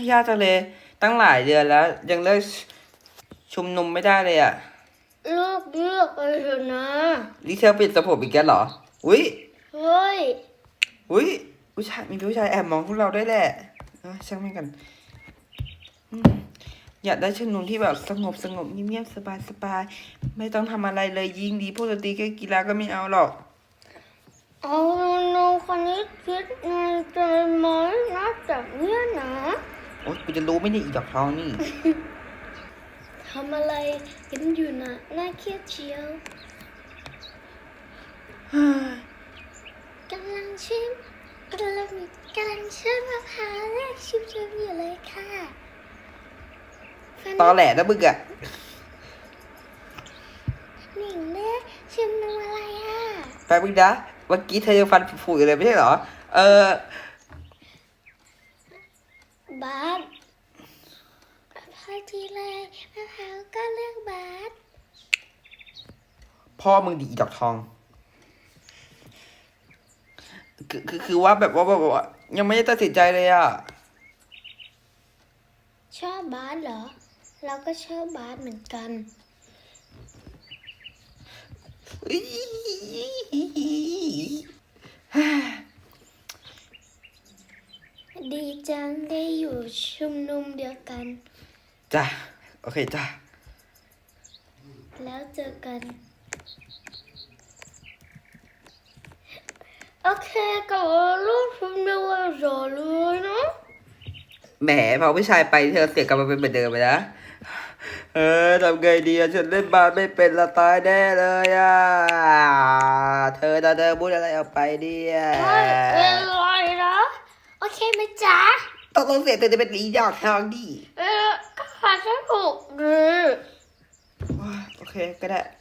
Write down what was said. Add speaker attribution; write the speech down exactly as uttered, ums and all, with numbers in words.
Speaker 1: ยากจังเลยตั้งหลายเดือนแล้ว ยังเลิกชุมนุมไม่ได้เลยอะ
Speaker 2: เลิกเลิกไปเถอะนะ
Speaker 1: นี่เธอปิดสะโพกอีกแล้วเหรออุ้ย
Speaker 2: เฮ้ย
Speaker 1: อุ้ยผู้ชายมีผู้ชายแอบมองพวกเราได้แหละเออช่างไม่กันอยากได้ชุมนุมที่แบบสงบสงบเงียบๆสบายสบายไม่ต้องทำอะไรเลยยิ่งดีพวกดนตรีแค่กีฬาก็ไม่เอาหรอก
Speaker 2: เอาน้องคนนี้คิดในใจไหมนะจากเนี้ยนะ
Speaker 1: โอ๊ยกูจะรู้ไม่ได้อีดอกทองนี่
Speaker 2: ทำอะไรกันอยู่นะน่าเครียดเชียวกำลังชิมกำลังกำลังชิมมะพร้าวแรกชิมชิมอยู่เลยค่ะ
Speaker 1: ตอแหลนะมึงอะ
Speaker 2: หนิงเล่ชิมน้ำอะไรอ่ะ
Speaker 1: แป๊บนึงนะเมื่อกี้เธอยังฟันผุอยู่เลยไม่ใช่เหรอเออบ
Speaker 2: าสพอทีเลยมะพร้าวก็เลือกบาส
Speaker 1: พ่อมึงดีดอกทองคือคือคือว่าแบบว่าแบบว่ายังไม่ได้ตัดสินใจเลยอ่ะ
Speaker 2: ชอบบาสเหรอเราก็ชอบบาสเหมือนกันดีจังได้อยู่ชุมนุมเดียวกัน
Speaker 1: จ้ะโอเคจ้ะ
Speaker 2: แล้วเจอกันโอเคก็รูปชุมนุมวันเสาร์เลยเนาะ
Speaker 1: แหมพอผู้ชายไปเธอเสียกลับมาเป็นเหมือนเดิมไปนะเออทำไงดีอะฉันเล่นบาสไม่เป็นละตายแน่เลยอ่ะเธอจะเธอพูดอะไรออกไปเนี่ย
Speaker 2: ไม่เป็นไรนะโอเคไหมจ๊ะ
Speaker 1: ต้องต้องเสียเธอจะเป็นอีดอกทองดิ
Speaker 2: เออก็หาฉันถูกดี
Speaker 1: โอเคก็ได้